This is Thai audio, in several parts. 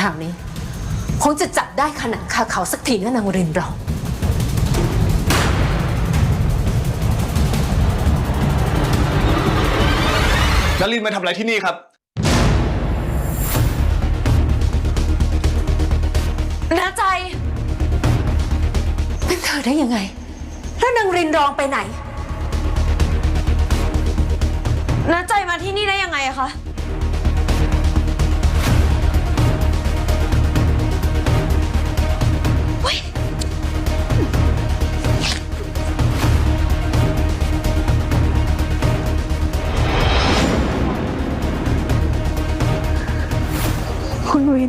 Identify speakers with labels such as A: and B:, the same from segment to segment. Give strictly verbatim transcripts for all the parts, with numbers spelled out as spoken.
A: ราวนี้คงจะจับได้ขนาดคาเขาสักทีนะนางรินเรา
B: นลินมาทำอะไรที่นี่ครับ
A: น้าใจเป็นเธอได้ยังไงแล้วนางรินรองไปไหน
C: น้าใจมาที่นี่ได้ยังไงอะคะ
D: คุณวิน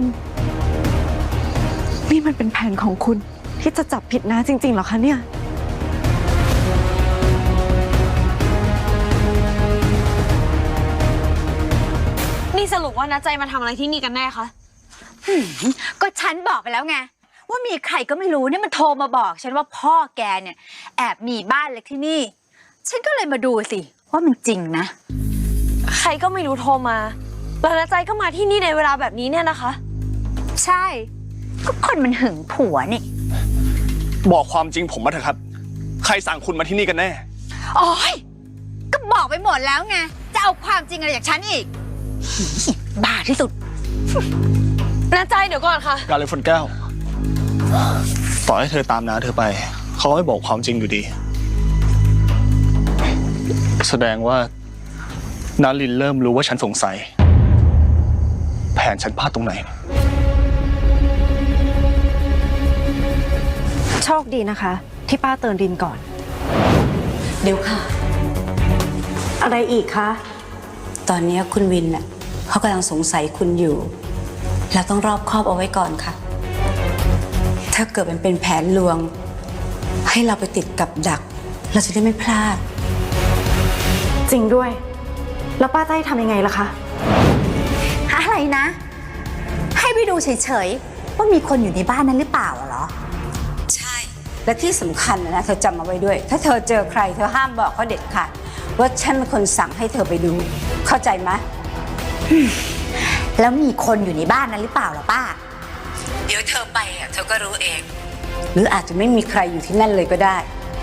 D: นี่มันเป็นแผนของคุณที่จะจับผิดน้าจริงๆเหรอคะเนี่ย
C: นี่สรุปว่าน้าใจมาทำอะไรที่นี่กันแน่คะ
E: ก็ฉันบอกไปแล้วไงว่ามีใครก็ไม่รู้เนี่ยมันโทรมาบอกฉันว่าพ่อแกเนี่ยแอบมีบ้านเล็กที่นี่ฉันก็เลยมาดูสิว่ามันจริงนะ
C: ใครก็ไม่รู้โทรมาแล้วน้าใจก็มาที่นี่ในเวลาแบบนี้เนี่ยนะคะ
E: ใช่ก็คนมันหึงผัวนี่
B: บอกความจริงผมมาเถอะครับใครสั่งคุณมาที่นี่กันแน่
E: โอ๊ยก็บอกไปหมดแล้วไงจะเอาความจริงอะไรจากฉันอีกบ้าที่สุด
C: น้าใจเดี๋ยวก่อนค่ะ
B: การเลยฝนแก้วต่อให้เธอตามน้าเธอไปเขาไม่บอกความจริงอยู่ดีแสดงว่านาลินเริ่มรู้ว่าฉันสงสัยแผนฉันพลาดตรงไหน
D: โชคดีนะคะที่ป้าเตือนรินก่อน
A: เดี๋ยวค่ะ
D: อะไรอีกคะ
F: ตอนนี้คุณวินน่ะเขากำลังสงสัยคุณอยู่เราต้องรอบคอบเอาไว้ก่อนค่ะถ้าเกิดมันเป็นแผนลวงให้เราไปติดกับดักเราจะได้ไม่พลาด
D: จริงด้วยแล้วป้าจะให้ทำยังไงล่ะคะ
E: อะไรนะให้ไปดูเฉยๆว่ามีคนอยู่ในบ้านนั้นหรือเปล่าเหรอ
F: ใช่และที่สำคัญนะเธอจำเอาไว้ด้วยถ้าเธอเจอใครเธอห้ามบอกเขาเด็ดขาดว่าฉันเป็นคนสั่งให้เธอไปดูเข้าใจไหม
E: แล้วมีคนอยู่ในบ้านนั้นหรือเปล่าล่ะป้า
F: เดี๋ยวเธอไปอ่ะเธอก็รู้เองหรืออาจจะไม่มีใครอยู่ที่นั่นเลยก็ได้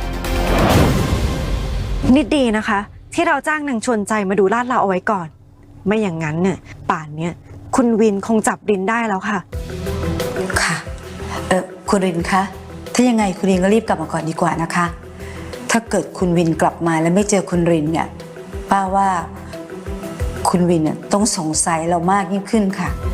D: นิดดีนะคะที่เราจ้างนางชวนใจมาดูลาดเราเอาไว้ก่อนไม่อย่างนั้นเนี่ยป่านเนี้ยคุณวินคงจับรินได้แล้วค่ะ
F: ค่ะเออคุณรินคะถ้ายังไงคุณรินก็รีบกลับมาก่อนดีกว่านะคะถ้าเกิดคุณวินกลับมาแล้วไม่เจอคุณรินเนี่ยป้าว่าคุณวินเนี่ยต้องสงสัยเรามากยิ่งขึ้นค่ะ